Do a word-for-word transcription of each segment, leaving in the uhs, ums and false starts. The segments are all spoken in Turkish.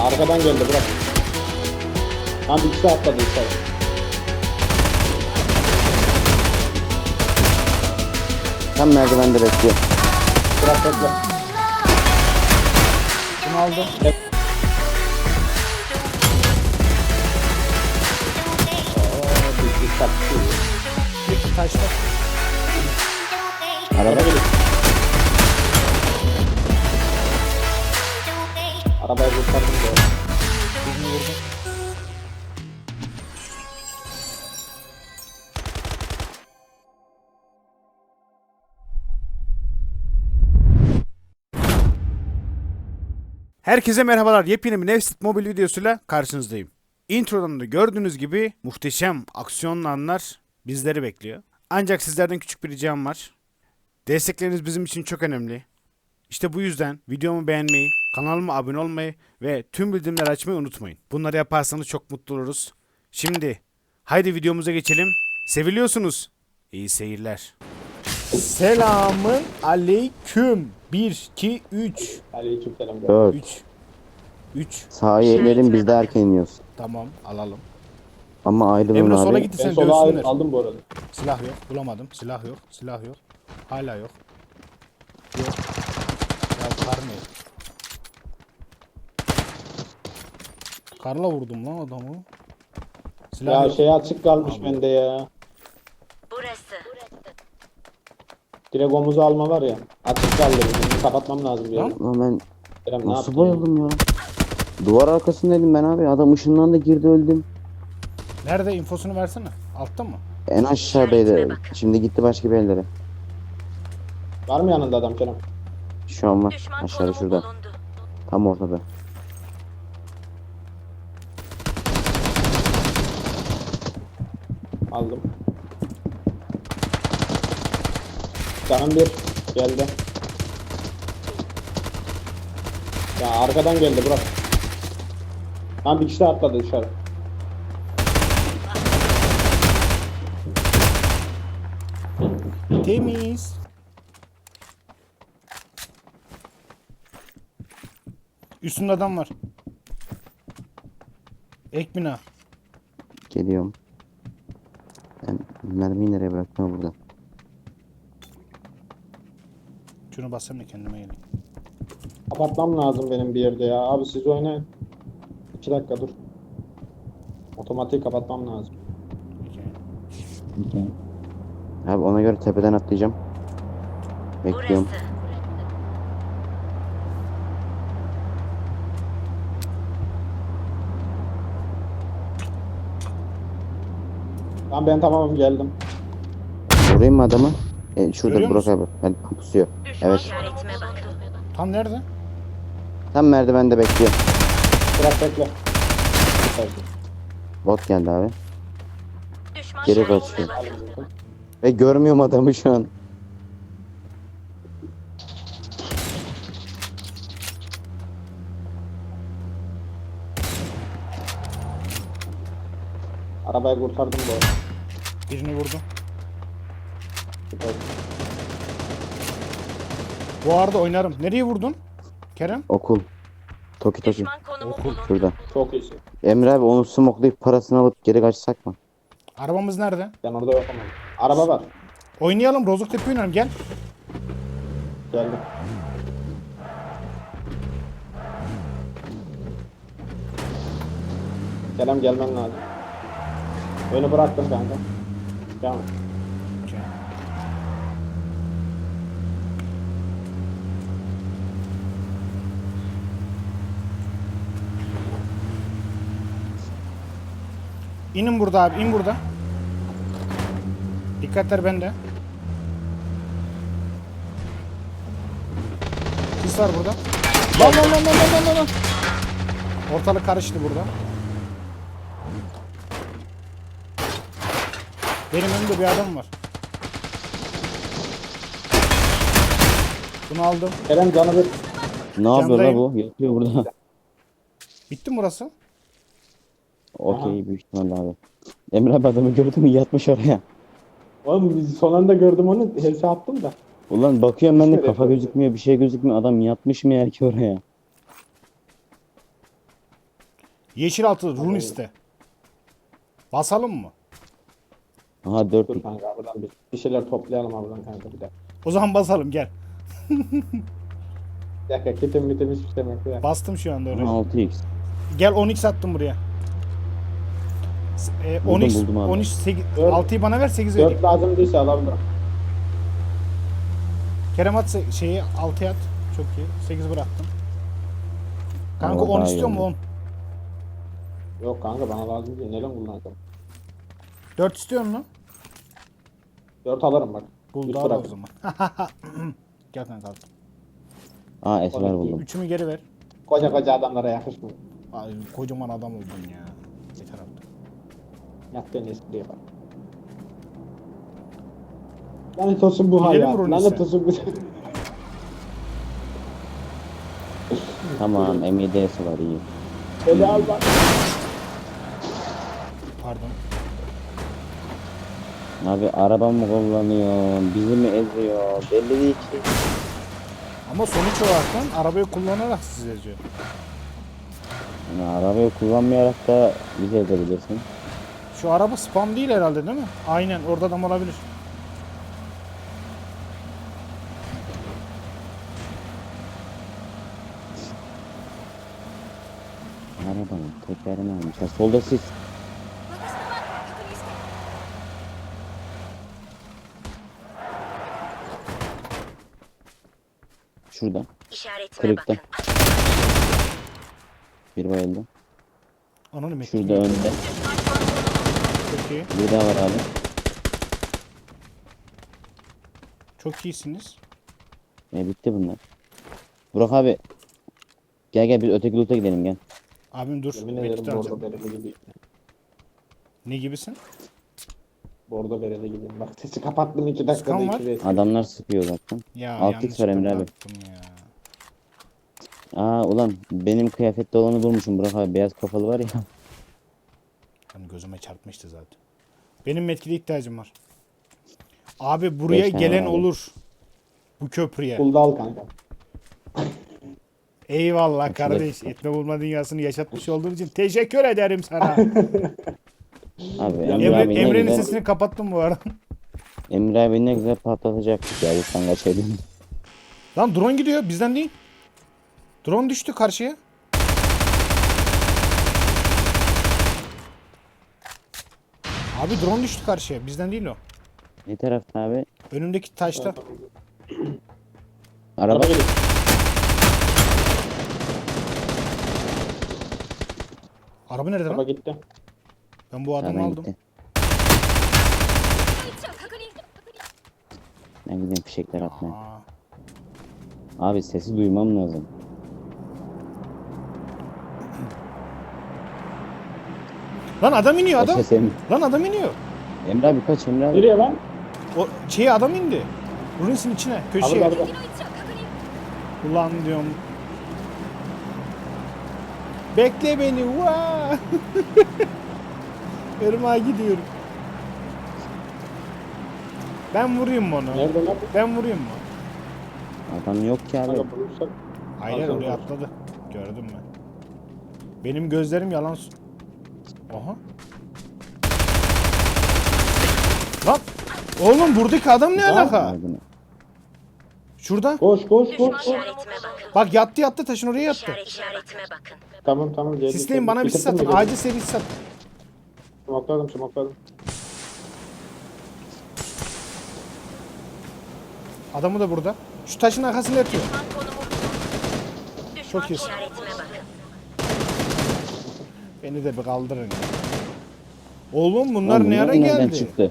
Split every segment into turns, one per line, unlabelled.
arkadan geldi bırak. Lan bir kişi atladı içeri.
Tam merdivende bekliyor.
Bırak bekle.
Bunu aldım.
Bek- Oo, bir kişi attı.
Bir taşla.
Araba
Araba geliyor. Arabayı kurtardım da.
Birini vurdum. Herkese merhabalar. Yepyeni bir Nevsit mobil videosuyla karşınızdayım. Introdan da gördüğünüz gibi muhteşem aksiyonlu anlar bizleri bekliyor. Ancak sizlerden küçük bir ricam var. Destekleriniz bizim için çok önemli. İşte bu yüzden videomu beğenmeyi, kanalıma abone olmayı ve tüm bildirimleri açmayı unutmayın. Bunları yaparsanız çok mutlu oluruz. Şimdi haydi videomuza geçelim. Seviliyorsunuz. İyi seyirler. Selamın aleyküm. bir, iki, üç.
Aleykümselam.
dört.
üç. üç.
Sağa inelim, biz de erken iniyoruz.
Tamam, alalım.
Ama ayrılın
Emre sola
abi.
gitti,
Ben
sen
sola
dövsünler.
aldım bu arada.
Silah yok, bulamadım. Silah yok, silah yok. Hala yok. Yok. Ya kar ne? Karla vurdum lan adamı. Silah
Ya
yok.
şey açık kalmış
Abi.
bende ya.
Burası.
Direkt omuzu alma var ya. Açık kaldı. Bunu kapatmam lazım bir
Lan.
yere.
Lan ben
Kerem ne
nasıl
yaptın?
bayıldım ya? Duvar arkasındaydım ben abi. Adam ışından da girdi, öldüm.
Nerede, infosunu versene. Altta mı?
En aşağıdaydı. Şimdi gitti başka bir yerlere.
Var mı yanında adam Kerem?
Şu an var.
Düşman
Aşağıda
konumu
şurada.
bulundu.
Tam ortada.
Aldım. Canım bir geldi. Ya arkadan geldi bırak. Lan bir kişi de atladı dışarı.
Temiz. Üstünde adam var. Ek bina.
Geliyorum. Ben mermiyi nereye bıraktım burada?
Şunu basayım da kendime geleyim.
Kapatmam lazım benim bir yerde ya. Abi siz oynayın. İki dakika dur. Otomatik kapatmam lazım.
Okey.
Abi ona göre tepeden atlayacağım. Bekliyorum.
Burası.
Tamam ben tamamım geldim.
Vurayım mı adamı? E, şurada
Görüyor
Burak
musun?
abi. Ben pusuyor.
Düşman
Evet.
işaretime bakın.
Tam nerede?
Tam merdivende bekliyor.
Bırak bekle.
Bot geldi abi.
Düşman
Geri
işaretime
kaçıyor.
bakın.
Ve görmüyorum adamı şu an.
Arabayı kurtardım bu arada.
Birini vurdum.
Süper.
Bu arada oynarım. Nereye vurdun? Kerem?
Okul. Toki Toki.
Düşman konumu
Okul.
bulundu.
Şurada.
Çok iyisin.
Emre abi onu smoklayıp parasını alıp geri kaçsak mı?
Arabamız nerede?
Ben orada yapamam. Araba var.
Oynayalım. Rozuktepe oynayalım. Gel.
Geldim. Kerem gelmen lazım. Önü bıraktım kanka. Devam et.
Okey. İnin burada abi. İn burada. Dikkatler bende. Sis var burada. Lan lan lan lan lan lan lan. Ortalık karıştı burada. Benim önümde bir adam var. Bunu aldım.
Kerem canı bir.
Ne yapıyor la
Candayım.
bu? Yatıyor burada.
Bitti mi burası?
Okey, büyük ihtimalle abi. Emre abi adamı gördü mü yatmış oraya.
Oğlum biz son anda gördüm onu. Helse attım da.
Ulan bakıyorum ben de
Şöyle
kafa
yapıyorum.
gözükmüyor, bir şey gözükmüyor. Adam yatmış mı yer ki oraya?
Yeşil altı Runis'te. Basalım mı?
Aha dört
Dur kanka buradan bir, bir şeyler toplayalım abi buradan kanka bir de.
O zaman basalım gel.
Bir dakika kitim bitim hiçbir şey yok ya.
Bastım şu anda oraya.
altı x.
Gel on x attım buraya. S- E,
Buldum,
on x,
buldum abi.
on x, sekiz,
Dört-
altıyı bana ver sekiz vereyim.
dört lazım değilse alabilirim.
Kerem at se- şeyi altıya at. Çok iyi. sekiz bıraktım. Kanka
Ama
on
daha iyi
istiyor mu
oldu.
on?
Yok kanka bana lazım değil. Neden kullanacağım?
dört istiyor mu?
dört alırım bak.
Buldu
Üç
al o
bırak.
zaman. Gel kanka al.
Aa esmer buldum.
Üçümü geri ver.
Koca koca adamlara yakışmıyor.
Ay, kocaman adam oldun ya. Yeter artık.
Yaptığın espriye bak. Lanet olsun bu
Gidelim
hayat.
Runis'e.
Lanet olsun bu.
Tamam M yedi S var iyi.
Beni al bak.
Pardon.
Abi araba mı kullanıyor? Bizi mi eziyor? Belli değil ki.
Ama sonuç olarak arabayı kullanarak siz eziyor.
Yani arabayı kullanmayarak da bizi ezebilirsin.
Şu araba spam değil herhalde değil mi? Aynen orada adam olabilir.
Arabanın tekerini almışlar. Solda siz. Şurada.
İşaretime
Kırıkta.
bakın.
Bir bayıldı.
Ananı mı?
Şurada önde.
Çok iyi.
Bir daha var abi.
Çok iyisiniz.
E bitti bunlar. Burak abi. Gel gel biz öteki loot'a gidelim gel.
Abim dur.
Yemin
Medkit
ederim bordo
alacağım.
bereli gideyim.
Ne gibisin?
Bordo bereli gideyim. Bak sesi kapattım iki dakikada
Sıkan var.
iki vs.
Adamlar sıkıyor zaten.
Ya
Alt X var Emre abi.
baktım ya.
Aa ulan benim kıyafette olanı bulmuşum Burak abi. Beyaz kafalı var ya.
Hani gözüme çarpmıştı zaten. Benim metkide ihtiyacım var. Abi buraya
Beş tane
gelen
var abi.
olur. Bu köprüye.
Bulda al kanka.
Eyvallah
Açılır.
kardeş. Etme bulma dünyasını yaşatmış olduğun için teşekkür ederim sana.
Abi
Emre
Emre,
Emre,
abi ne
Emre'nin
güzel.
sesini kapattım bu arada.
Emre abi ne güzel patlatacaktık ya. Lütfen kaçaydın.
Lan drone gidiyor bizden değil. Drone düştü karşıya. Abi drone düştü karşıya bizden değil o.
Ne tarafta abi?
Önümdeki taşta.
Araba.
Araba geliyor.
Araba nerede
Araba
lan?
gitti.
Ben bu adamı
Sağdan
aldım.
gitti. Ben gideyim fişekler atmaya.
Aa,
Abi sesi duymam lazım.
lan adam iniyor
O
adam.
ses Em-
Lan adam iniyor.
Emre abi kaç Emre abi.
Nereye lan?
O şeye adam indi. Runes'in içine,
Araba
köşeye.
araba.
Ulan diyorum. Bekle beni. Vaa! Irmağa gidiyorum. Ben vurayım mı onu?
Nerede lan?
Ben vurayım mı?
Adam yok ki abi.
Kanka bulursak.
Hayır hayır,
Aferin
oraya
olsun.
atladı. Gördüm ben. Benim gözlerim yalan. s- Aha. Lan! Oğlum buradaki adam ne alaka?
Ardına.
Şurada.
Koş koş koş. koş.
İşaretime bakın.
Bak yattı yattı taşın oraya yattı.
İşaret, işaretime bakın.
Tamam tamam. geldik,
Sisleyin
geldik.
bana bir sis
Bitirdin
atın.
mi?
Acil seri sis atın.
Smokladım smokladım.
Adamı da burada. Şu taşın arkasında yatıyor.
Düşman konumu bulun. Düşman
Çok iyisin.
işaretime bakın.
Beni de bir kaldırın. ya. Oğlum bunlar
Lan
ne
bunlar
ara
nereden
geldi?
çıktı?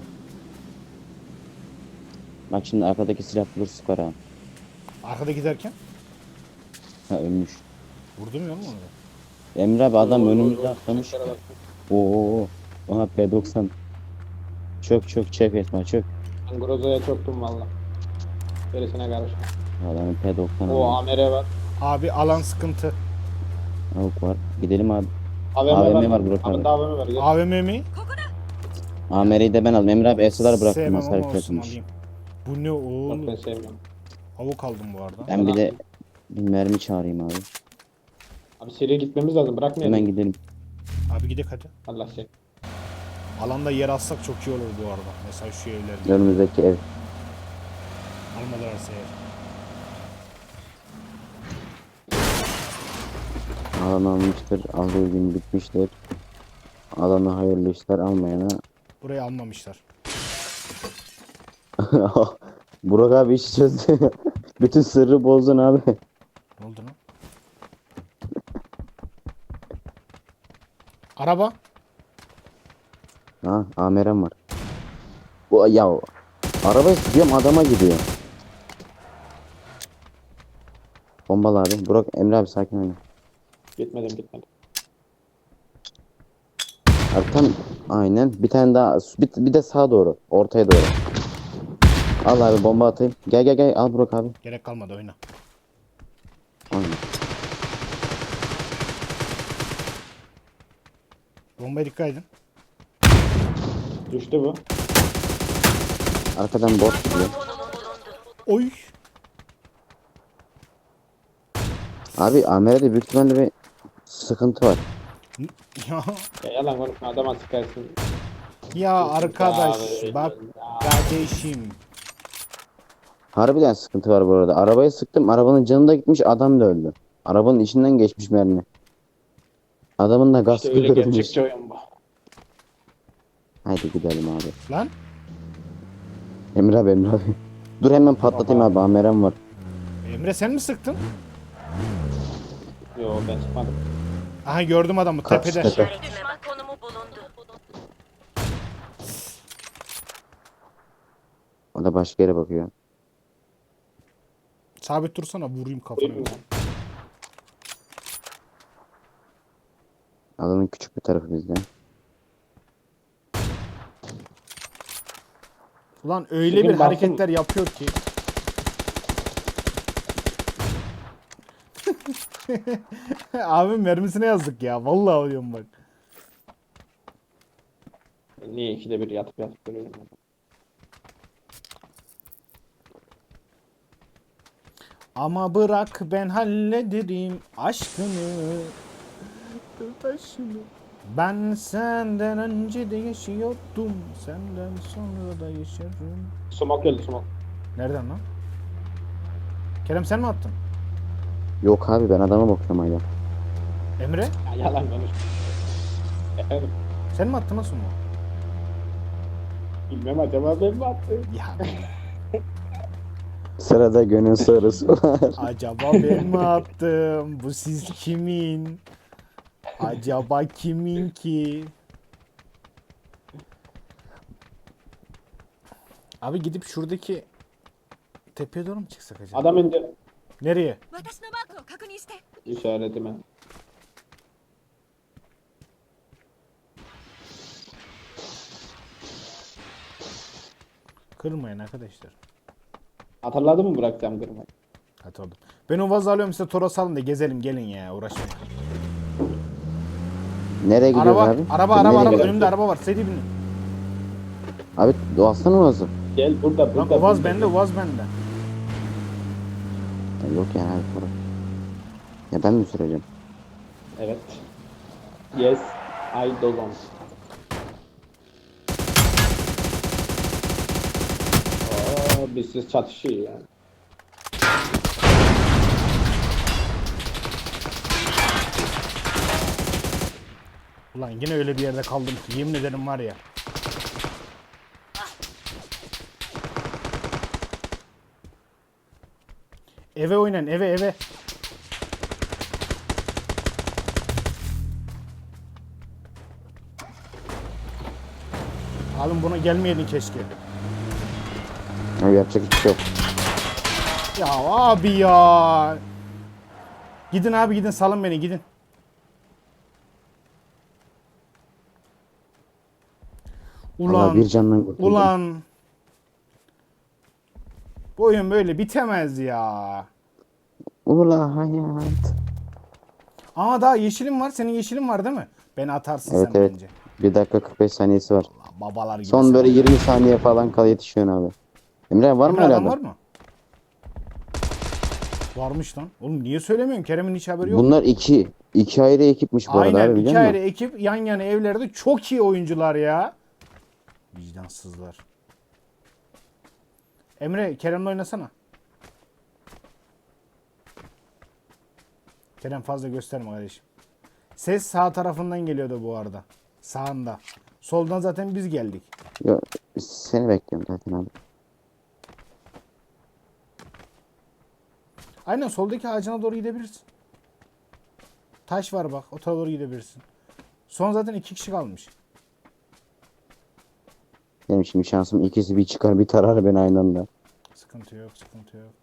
Bak şimdi arkadaki silah bulur sıkar ha.
Arkada giderken.
Ha ölmüş.
Vurdum ya oğlum onu.
Emre abi adam
Oy, oy,
önümüzde
oy,
atlamış.
Şöyle bak.
Oo. Aha P doksan. Çök çök çök etme çök.
Ben Groza'ya çöktüm valla. Gerisine karışma.
Adamın P doksan.
O A M R var.
Abi alan sıkıntı.
Avuk var. Gidelim abi.
A V M,
A V M
var.
var Burak abi.
Abinde A V M var. Gel.
A V M mi?
A M R'yi de ben aldım. Emre abi esalar bıraktım.
Sevmem
Hasar
ama olsun
kırılmış.
alayım. Bu ne
Bak
oğlum?
ben sevmiyorum.
Avuk aldım bu arada.
Ben bir de bir mermi çağırayım abi.
Abi seriye gitmemiz lazım. Bırakmayalım.
Hemen gidelim.
Abi gidelim hadi.
Allah şey.
Alanda yer alsak çok iyi olur bu arada. Mesela şu evlerde.
Önümüzdeki ev.
Almadılarsa eğer.
Alan almıştır. Aldığı gün bitmiştir. Alana hayırlı işler, almayana.
Burayı almamışlar.
Burak abi işi çözdü. Bütün sırrı bozdun abi.
Ne oldu lan? Araba.
Ha, amerem var. Bu ya araba sürüyorum, adama gidiyor. Bombalı abi. Burak, Emre abi sakin olun.
Gitmedim gitmedim.
Abi tam aynen. Bir tane daha. Bir, bir de sağa doğru. Ortaya doğru. Al abi, bomba atayım. Gel gel gel. Al Burak abi.
Gerek kalmadı, oyna.
Aynen.
Bombaya dikkat edin.
Düştü bu.
Arkadan bot gidiyor.
Oy.
Abi Amer'de büyük ihtimalle bir sıkıntı var.
Ya,
Ya yalan konuşma, adama sıkarsın.
ya arkadaş
Abi,
bak
ya.
kardeşim.
Harbiden sıkıntı var bu arada. Arabaya sıktım. Arabanın canı da gitmiş. Adam da öldü. Arabanın içinden geçmiş mermi. Adamın da gaz
İşte öyle
kırılmış.
gerçekçi oyun bu.
Haydi gidelim abi.
Lan
Emre abi, Emre abi. Dur hemen patlatayım abi. Amerem var.
Emre sen mi sıktın?
Yo ben çıkmadım.
Aha gördüm adamı
Kaç
tepede.
tepe?
İşaretime bak. Konumu bulundu.
O da başka yere bakıyor.
Sabit dursana, vurayım kafana.
Duyayım mı?
Alanın küçük bir tarafı bizde.
Ulan öyle
Bugün
bir
baktım-
hareketler yapıyor ki. Abi mermisine yazdık ya. Vallahi diyorum bak.
Niye ikide bir yatıp yatıp duruyorum?
Ama bırak ben hallederim aşkını. Taşını. Ben senden önce de yaşıyordum. Senden sonra da yaşarım.
Sumak geldi sumak.
Nereden lan? Kerem sen mi attın?
Yok abi, ben adama bakıyorum hala.
Emre
Ya yalan konuşma. Efendim
sen mi attın nasıl mı?
bilmem acaba ben mi attım?
Ya
Sırada gönül sorusu var.
acaba ben mi attım? Bu siz kimin? Acaba kimin ki? Abi gidip şuradaki tepeye doğru mu çıksak acaba?
Adam indi.
Nereye?
私のマークを確認して。
İşaretime.
Kırmayın arkadaşlar.
Hatırladın mı bırakacağım kırmayı?
Hadi oğlum. Ben o vazı alıyorum, size Toros alın da gezelim gelin ya, uğraşmayın.
Nereye gidiyoruz
Araba,
abi?
araba,
Nereye
araba, araba.
gidiyoruz?
Önümde araba var. Seri binin.
Abi doğasana Oğaz'ı.
Gel burada
Lan
burada.
o vaz
burada.
bende, o vaz bende.
Ya yok yani abi sonra. Ya ben mi süreceğim?
Evet. Yes. I don't. Aa, biz siz çatışıyor yani.
Ulan yine öyle bir yerde kaldım ki yemin ederim var ya. Eve oynayın, eve eve. Alın buna gelmeyeydin keşke.
Abi yapacak hiçbir şey yok.
Ya abi ya. Gidin abi gidin, salın beni gidin.
Allah
Ulan
bir candan kurtuldum.
ulan. Bu oyun böyle bitemez ya.
Ula hayat.
Ama daha yeşilim var. Senin yeşilin var değil mi? Beni atarsın
Evet
sen
evet.
bence.
bir dakika kırk beş saniyesi var.
Allah, babalar gibi.
Son
sen.
böyle yirmi saniye falan kal yetişiyorsun abi. Emre var mı
Emre
öyle
adam
adam?
var mı? Varmış lan. Oğlum niye söylemiyorsun? Kerem'in hiç haberi yok.
Bunlar iki. İki ayrı ekipmiş bu arada
Aynen
abi,
iki
biliyor
ayrı
musun?
ekip yan yana evlerde çok iyi oyuncular ya. Vicdansızlar. Emre Kerem'le oynasana. Kerem fazla gösterme kardeşim. Ses sağ tarafından geliyordu bu arada. Sağında. Soldan zaten biz geldik.
Yo, seni bekliyorum zaten abi.
Aynen soldaki ağacına doğru gidebilirsin. Taş var bak. O tarafa doğru gidebilirsin. Son zaten iki kişi kalmış.
Benim şimdi şansım ikisi bir çıkar bir tarar beni aynı anda.
Sıkıntı yok, sıkıntı yok.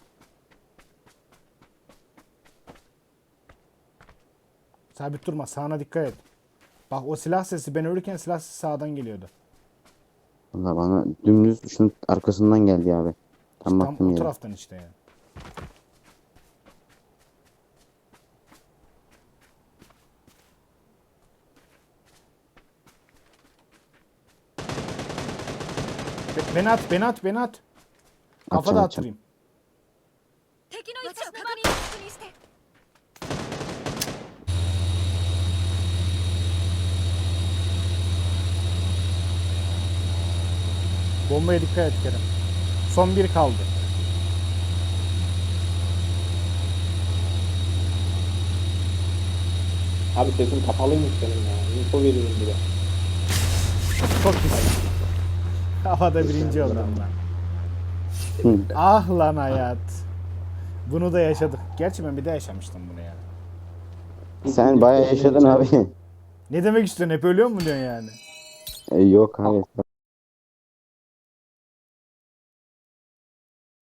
Sabit durma, sağına dikkat et. Bak o silah sesi, ben ölürken silah sesi sağdan geliyordu.
Valla bana dümdüz şunun arkasından geldi abi. Tam
Tam
baktım
o
yere.
taraftan işte yani. Be- Beni at, beni at, beni at. Kafada
Atacağım,
attırayım.
敵の位置を確認確認して
Bombaya dikkat et Kerem. Son bir kaldı.
Abi sesin kapalıymış senin ya. Info veriyorum bir de.
Çok iyisin. Havada birinci oldum lan.
Hı.
Ah lan hayat. Bunu da yaşadık. Gerçi ben bir de yaşamıştım bunu ya.
Sen bayağı yaşadın abi.
Ne demek istiyorsun? Hep ölüyor mu diyorsun yani?
E, yok abi.